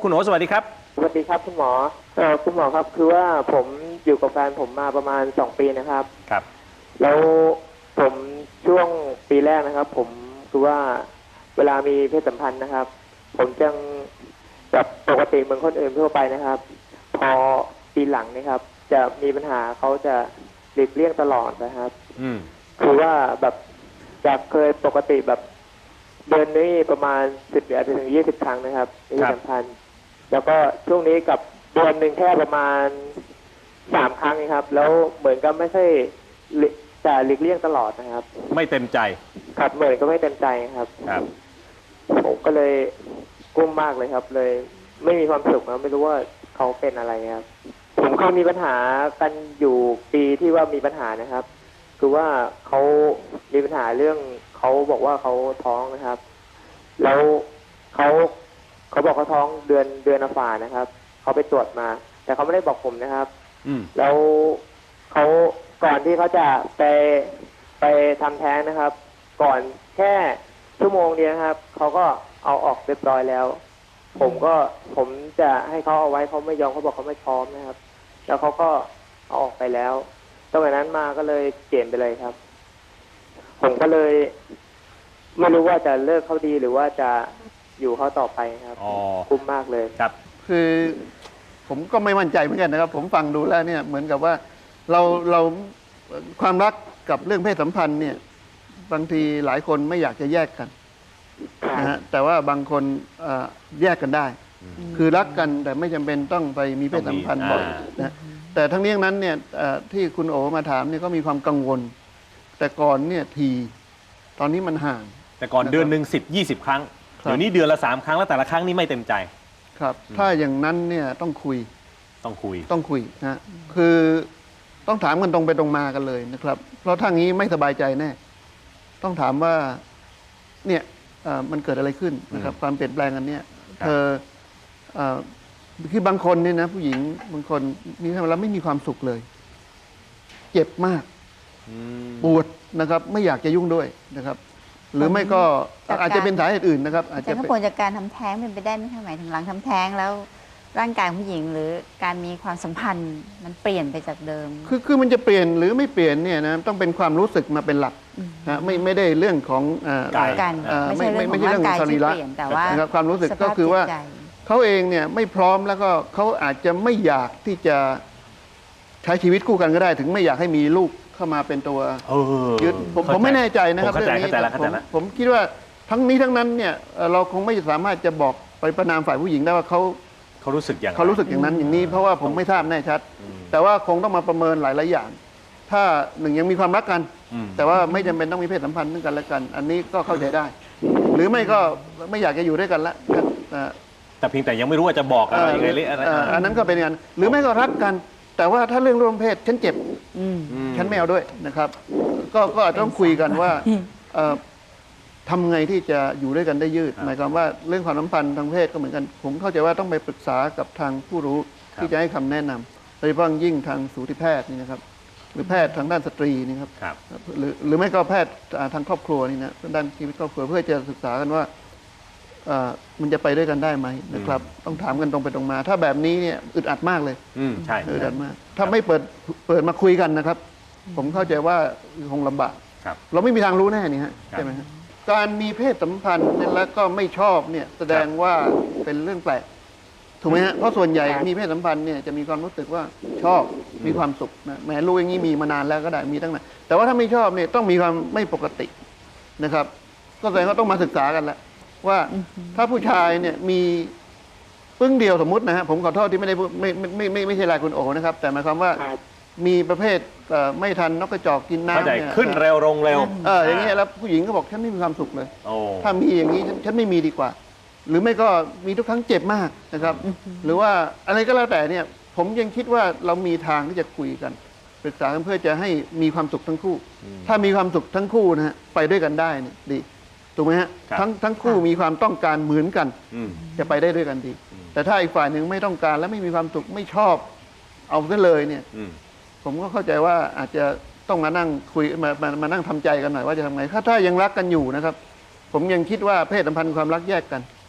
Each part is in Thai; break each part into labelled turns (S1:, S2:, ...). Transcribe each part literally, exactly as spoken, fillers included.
S1: คุณโอสวัสดีครับ
S2: สวัสดีครับคุณหมอเอ่อคุณหมอครับคือว่าผมอยู่กับแฟนผมมาประมาณสองปีนะครับ
S1: ครับ
S2: แล้วผมช่วงปีแรกนะครับผมคือว่าเวลามีเพศสัมพันธ์นะครับ ผมจังแบบปกติเหมือนคนอื่นทั่วไปนะครับ พอปีหลังนะครับ จะมีปัญหาเขาจะหลีกเลี่ยงตลอดนะครับ
S1: อืม
S2: คือว่าแบบจากเคยปกติแบบเดือนนี้ประมาณสิบอาจจะถึงยี่สิบครั้งนะครับมีเพศสัมพันธ์แล้วก็ช่วงนี้กับเดือนหนึ่งแค่ประมาณสามครั้งนะครับ แล้วเหมือนกับไม่ใช่จะหลีกเลี่ยงตลอดนะครับ
S1: ไม่เต็มใจ
S2: ครับเหมือนก็ไม่เต็มใจครับ
S1: ครับ
S2: ผมก็เลยกุ้มมากเลยครับ เลยไม่มีความสุขนะไม่รู้ว่าเขาเป็นอะไรครับผมเคยมีปัญหากันอยู่ปีที่ว่ามีปัญหานะครับ คือว่าเขามีปัญหาเรื่องเขาบอกว่าเขาท้องนะครับ แล้วเขาเขาบอกเขาท้องเดือนเดือนอฝานะครับเขาไปตรวจมา แต่เขาไม่ได้บอกผมนะครับ
S1: อืม
S2: แล้วเขาก่อนที่เขาจะไปไปทำแท้งนะครับ ก่อนแค่ชั่วโมงเดียวครับเขาก็เอาออกเรียบร้อยแล้ว ผมก็ผมจะให้เขาเอาไว้เขาไม่ยอมเขาบอกเขาไม่พร้อมนะครับ แล้วเขาก็เอาออกไปแล้วตั้งแต่นั้นมาก็เลยเปลี่ยนไปเลยครับ ผมก็เลยไม่รู้ว่าจะเลิกเขาดีหรือว่าจะอยู่เขาต่อไปครับคุ้มมากเลย
S1: ครับ
S3: คือผมก็ไม่มั่นใจเหมือนกันนะครับผมฟังดูแล้วเนี่ยเหมือนกับว่าเราเราความรักกับเรื่องเพศสัมพันธ์เนี่ยบางทีหลายคนไม่อยากจะแยกกันนะฮะแต่ว่าบางคนแยกกันได้คือรักกันแต่ไม่จำเป็นต้องไปมีเพศสัมพันธ์บ่อยนะแต่ทั้งนี้ทั้งนั้นเนี่ยที่คุณโอมาถามเนี่ยก็มีความกังวลแต่ก่อนเนี่ยทีตอนนี้มันห่าง
S1: แต่ก่อนเดือนหนึ่งสิบยี่สิบครั้งเดี๋ยวนี้เดือนละสามครั้งแล้วแต่ละครั้งนี่ไม่เต็มใจ
S3: ครับถ้าอย่างนั้นเนี่ยต้องคุย
S1: ต้องคุย
S3: ต้องคุยนะคือต้องถามกันตรงไปตรงมากันเลยนะครับเพราะถ้างี้ไม่สบายใจแน่ต้องถามว่าเนี่ยมันเกิดอะไรขึ้นนะครับความเปลี่ยนแปลงอันเนี้ยเธอคือบางคนเนี่ยนะผู้หญิงบางคนมีทำแล้วไม่มีความสุขเลยเจ็บมากปวดนะครับไม่อยากจะยุ่งด้วยนะครับหรือไม่ก็อาจจะเป็นสาเหตุอื่นนะครับ
S4: อาจจะเป็นผลจากการทำแท้งเป็นไปได้ไหมคะหมายถึงหลังทำแท้งแล้วร่างกายผู้หญิงหรือการมีความสัมพันธ์มันเปลี่ยนไปจากเดิม
S3: คือคือมันจะเปลี่ยนหรือไม่เปลี่ยนเนี่ยนะต้องเป็นความรู้สึกมาเป็นหลักนะไม่ไม่ได้เรื่องของ
S4: กายไม่ใช่เรื่องของร่างกายที่เปลี่ยนแต่ว่า
S3: ความรู้สึกก็คือว่าเขาเองเนี่ยไม่พร้อมแล้วก็เขาอาจจะไม่อยากที่จะใช้ชีวิตคู่กันก็ได้ถึงไม่อยากให้มีลูกเข้ามาเป็นตัวยึดผมผมไม่แน่ใจนะครับเรื่องนี้ผมผมคิดว่าทั้งนี้ทั้งนั้นเนี่ยเราคงไม่สามารถจะบอกไปประนามฝ่ายผู้หญิงได้ว่าเขา
S1: เขารู้สึกอย่าง
S3: เขารู้สึกอย่างนั้นอย่างนี้เพราะว่าผมไม่ทราบแน่ชัดแต่ว่าคงต้องมาประเมินหลายหลายอย่างถ้าหนึ่งยังมีความรักกันแต่ว่าไม่จำเป็นต้องมีเพศสัมพันธ์ด้วยกันและกันอันนี้ก็เข้าใจได้หรือไม่ก็ไม่อยากจะอยู่ด้วยกันละ
S1: แต่เพียงแต่ยังไม่รู้ว่าจะบอกอะไรยังไงเลย
S3: อันนั้นก็เป็นงานหรือไม่ก็รักกันแต่ว่าถ้าเรื่องร่วมเพศฉันเจ็บฉันไม่เอาด้วยนะครับก็ก็ต้องคุยกันว่าทำไงที่จะอยู่ด้วยกันได้ยืดหมายความว่าเรื่องความสัมพันธ์ทางเพศก็เหมือนกันผมเข้าใจว่าต้องไปปรึกษากับทางผู้รู้ที่จะให้คำแนะนำโดยเฉพาะยิ่งทางสูติแพทย์นี่นะครับหรือแพทย์ทางด้านสตรีนี่ครับหรือหรือไม่ก็แพทย์ทางครอบครัวนี่นะด้านชีวิตครอบครัวเพื่อจะศึกษากันว่ามันจะไปด้วยกันได้ไหมนะครับต้องถามกันตรงไปตรงมาถ้าแบบนี้เนี่ยอึดอัดมากเลย
S1: ใช่
S3: อึดอัดมากถ้าไม่เปิดเปิดมาคุยกันนะครับผมเข้าใจว่าคงลำบากเราไม่มีทางรู้แน่นี่ฮะใช่ไหมครับการมีเพศสัมพันธ์แล้วก็ไม่ชอบเนี่ยแสดงว่าเป็นเรื่องแปลกถูกไหมฮะเพราะส่วนใหญ่มีเพศสัมพันธ์เนี่ยจะมีความรู้สึกว่าชอบมีความสุขนะแม้รู้อย่างนี้มีมานานแล้วก็ได้มีตั้งนานแต่ว่าถ้าไม่ชอบเนี่ยต้องมีความไม่ปกตินะครับก็แสดงว่าต้องมาศึกษากันแล้วว่าถ้าผู้ชายเนี่ยมีปึ้งเดียวสมมตินะฮะผมขอโทษที่ไม่ได้ไม่ไม่ไม่ไม่ใช่รายคุณโอนะครับแต่หมายความว่ามีประเภทไม่ทันนกกระจอกกินน้ำ
S1: เนี่ยขึ้นเร็วลงเร็ว
S3: เอออย่างเงี้ยแล้วผู้หญิงก็บอกฉันไม่มีความสุขเลยถ้ามีอย่างนี้ฉันไม่มีดีกว่าหรือไม่ก็มีทุกครั้งเจ็บมากนะครับหรือว่าอะไรก็แล้วแต่เนี่ยผมยังคิดว่าเรามีทางที่จะคุยกันปรึกษากันเพื่อจะให้มีความสุขทั้งคู่ถ้ามีความสุขทั้งคู่นะฮะไปด้วยกันได้เนี่ยดีถูกไหมฮะทั้งทั้งคู่มีความต้องการเหมือนกันจะไปได้ด้วยกันดีแต่ถ้าอีกฝ่ายหนึ่งไม่ต้องการและไม่มีความสุขไม่ชอบเอาซะเลยเนี่ยผมก็เข้าใจว่าอาจจะต้องมานั่งคุยมามามานั่งทำใจกันหน่อยว่าจะทำไงถ้าถ้ายังรักกันอยู่นะครับผมยังคิดว่าเพศสัมพันธ์ความรักแยกกัน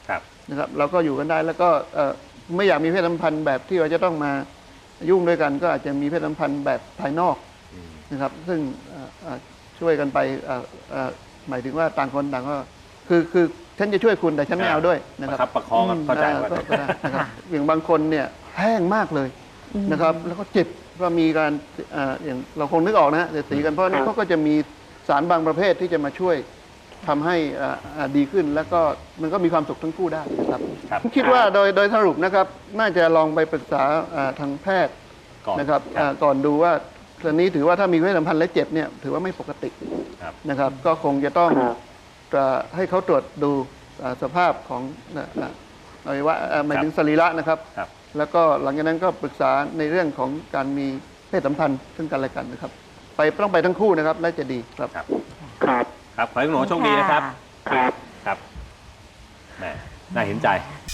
S3: นะครับเราก็อยู่กันได้แล้วก็เอ่อไม่อยากมีเพศสัมพันธ์แบบที่เราจะต้องมายุ่งด้วยกัน ก็อาจจะมีเพศสัมพันธ์แบบภายนอกนะครับซึ่งเอ่อเอ่อช่วยกันไปเอ่อเอ่อหมายถึงว่าต่างคนต่างก็คือคือฉันจะช่วยคุณแต่ฉันไม่เอาด้วยนะ
S1: นะ
S3: ค
S1: ค
S3: รั
S1: รับ บประคองกันเข้าใจ
S3: อ่
S1: ว่า
S3: ก็ก็ได้นะครับ
S4: ค่ะ
S3: อย่างบางคนเนี่ยแห้งมากเลยนะครับ แล้วก็เจ็บก็มีการอ่าอย่างเราคงนึกออกนะฮะเสียดสีกันเพราะนี่เขาก็จะมีสารบางประเภทที่จะมาช่วยทำให้อ่าอ่าดีขึ้น แล้วก็มันก็มีความสุขทั้งคู่ได้นะครับ
S1: ครับ
S3: คิดว่าโดยโดยสรุปนะครับน่าจะลองไปปรึกษาอ่าทางแพทย์
S1: ก่อน
S3: นะครับ
S1: ครับ
S3: อ่าก่อนดูว่าตอนนี้ถือว่าถ้ามีเพศสัมพันธ์และเจ็บเนี่ยถือว่าไม่ปกติ
S1: ครับ
S3: นะครับ ก็คงจะต้อง
S2: ครับ
S3: จะให้เขาตรวจดูอ่าสภาพของอ่าอ่าอวัยวะอ่าหมายถึงสรีระนะครับ
S1: ครับ
S3: แล้วก็หลังจากนั้นก็ปรึกษาในเรื่องของการมีเพศสัมพันธ์ซึ่งกันและกันนะครับ ไปต้องไปทั้งคู่นะครับและจะดีครับ
S1: ครับ
S2: ครับ
S1: ครับขอให้คุณหมอโชคดีนะครับ
S2: ครับ
S1: ครับแหมน่าเห็นใจ